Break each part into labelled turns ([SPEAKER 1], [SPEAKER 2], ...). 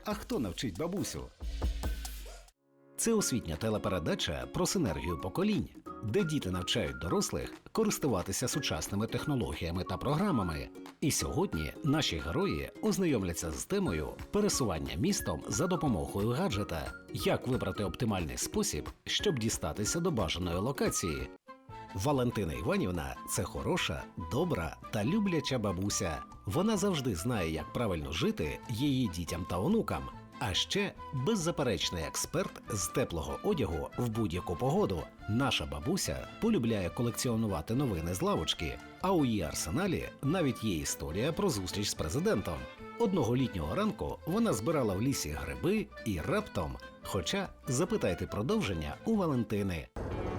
[SPEAKER 1] А хто навчить бабусю? Це освітня телепередача про синергію поколінь, де діти навчають дорослих користуватися сучасними технологіями та програмами. І сьогодні наші герої ознайомляться з темою пересування містом за допомогою гаджета. Як вибрати оптимальний спосіб, щоб дістатися до бажаної локації. Валентина Іванівна – це хороша, добра та любляча бабуся. Вона завжди знає, як правильно жити її дітям та онукам. А ще беззаперечний експерт з теплого одягу в будь-яку погоду. Наша бабуся полюбляє колекціонувати новини з лавочки, а у її арсеналі навіть є історія про зустріч з президентом. Одного літнього ранку вона збирала в лісі гриби і раптом, хоча запитайте продовження у Валентини.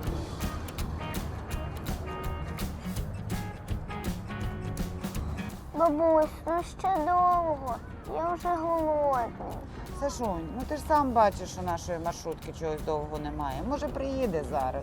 [SPEAKER 2] Бабусь, ну ще довго. Я вже голодний.
[SPEAKER 3] Сашунь, ну ти ж сам бачиш, що нашої маршрутки чогось довго немає. Може, приїде зараз.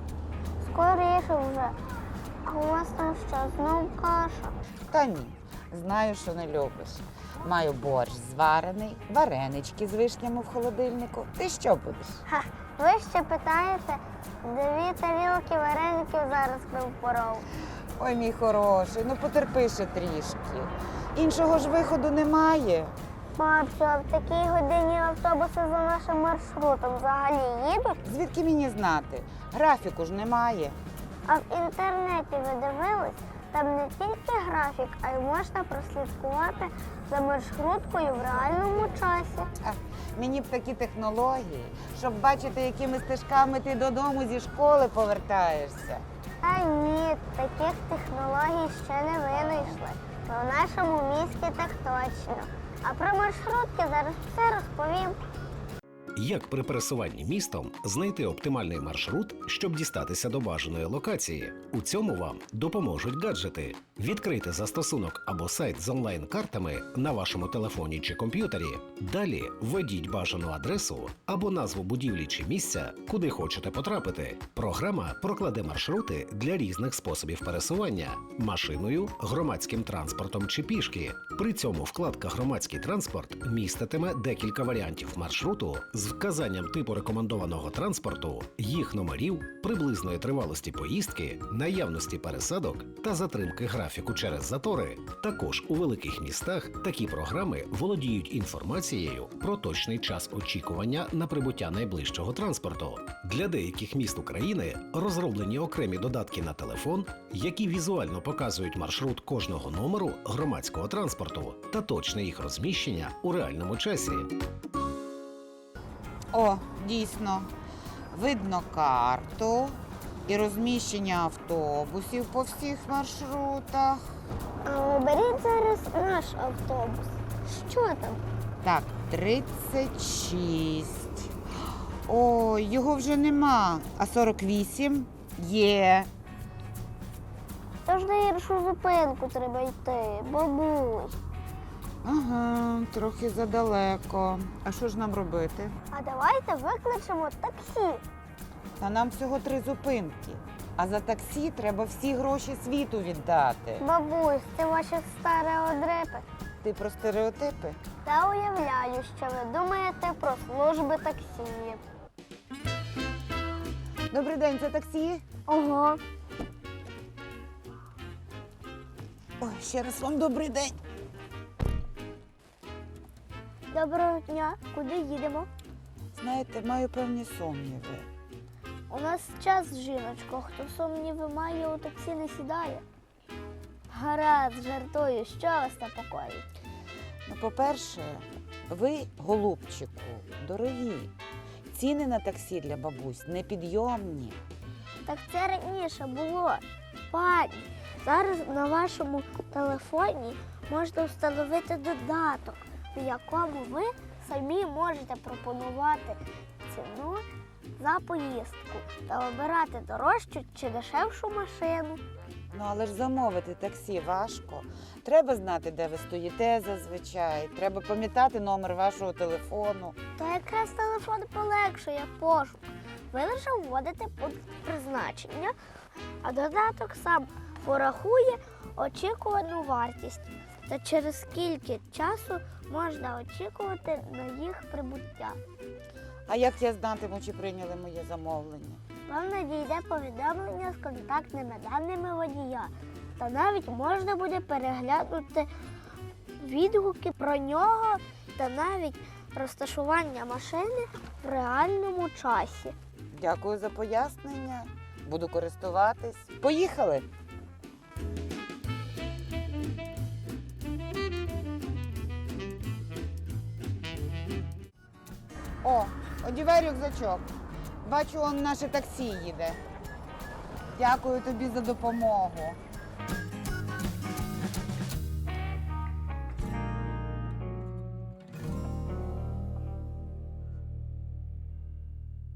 [SPEAKER 2] Скоріше вже. А у вас там що, знов каша?
[SPEAKER 3] Та ні, знаю, що не любиш. Маю борщ зварений, варенички з вишнями в холодильнику. Ти що будеш?
[SPEAKER 2] Ха, ви ще питаєте, 2 тарілки вареників зараз би впоров.
[SPEAKER 3] Ой, мій хороший, ну потерпи ще трішки. Іншого ж виходу немає.
[SPEAKER 2] Бабцю, а в такій годині автобуси за нашим маршрутом взагалі їдуть?
[SPEAKER 3] Звідки мені знати? Графіку ж немає.
[SPEAKER 2] А в інтернеті ви дивились? Там не тільки графік, а й можна прослідкувати за маршруткою в реальному часі.
[SPEAKER 3] Мені б такі технології, щоб бачити, якими стежками ти додому зі школи повертаєшся.
[SPEAKER 2] Та ні, таких технологій ще не винайшли. В нашому місті так точно. А про маршрутки зараз все розповім.
[SPEAKER 1] Як при пересуванні містом знайти оптимальний маршрут, щоб дістатися до бажаної локації? У цьому вам допоможуть гаджети. Відкрийте застосунок або сайт з онлайн-картами на вашому телефоні чи комп'ютері. Далі введіть бажану адресу або назву будівлі чи місця, куди хочете потрапити. Програма прокладе маршрути для різних способів пересування – машиною, громадським транспортом чи пішки. При цьому вкладка «Громадський транспорт» міститиме декілька варіантів маршруту з вказанням типу рекомендованого транспорту, їх номерів, приблизної тривалості поїздки, наявності пересадок та затримки графіку через затори. Також у великих містах такі програми володіють інформацією про точний час очікування на прибуття найближчого транспорту. Для деяких міст України розроблені окремі додатки на телефон, які візуально показують маршрут кожного номеру громадського транспорту та точне їх розміщення у реальному часі.
[SPEAKER 3] О, дійсно, видно карту і розміщення автобусів по всіх маршрутах.
[SPEAKER 2] А оберіть зараз наш автобус. Що там?
[SPEAKER 3] Так, 36. Ой, його вже нема. А 48 є.
[SPEAKER 2] Тож на іншу зупинку треба йти, бабусь.
[SPEAKER 3] Ага, трохи задалеко. А що ж нам робити?
[SPEAKER 2] А давайте викличемо таксі.
[SPEAKER 3] Та нам всього 3 зупинки. А за таксі треба всі гроші світу віддати.
[SPEAKER 2] Бабусь, це ваші стереодрипи.
[SPEAKER 3] Ти про стереотипи?
[SPEAKER 2] Та уявляю, що ви думаєте про служби таксі.
[SPEAKER 3] Добрий день, це таксі?
[SPEAKER 2] Ого.
[SPEAKER 3] Ой, ще раз вам добрий день.
[SPEAKER 2] Доброго дня. Куди їдемо?
[SPEAKER 3] Знаєте, маю певні сумніви.
[SPEAKER 2] У нас час, жіночко. Хто сумніви має, у таксі не сідає. Гаразд, жартую. Що вас непокоїть?
[SPEAKER 3] Ну, по-перше, ви, голубчику, дорогі. Ціни на таксі для бабусь непідйомні.
[SPEAKER 2] Так це раніше було. Пані, зараз на вашому телефоні можна встановити додаток, в якому ви самі можете пропонувати ціну за поїздку та обирати дорожчу чи дешевшу машину.
[SPEAKER 3] Ну, але ж замовити таксі важко. Треба знати, де ви стоїте зазвичай. Треба пам'ятати номер вашого телефону.
[SPEAKER 2] То якраз телефон полегшує пошук. Ви лише вводите пункт призначення, а додаток сам порахує очікувану вартість. та через скільки часу можна очікувати на їх прибуття.
[SPEAKER 3] А як я знатиму, чи прийняли моє замовлення?
[SPEAKER 2] Вам надійде повідомлення з контактними даними водія. Та навіть можна буде переглянути відгуки про нього та навіть розташування машини в реальному часі.
[SPEAKER 3] Дякую за пояснення. Буду користуватись. Поїхали! О, одівай рюкзачок. Бачу, он наше таксі їде. Дякую тобі за допомогу.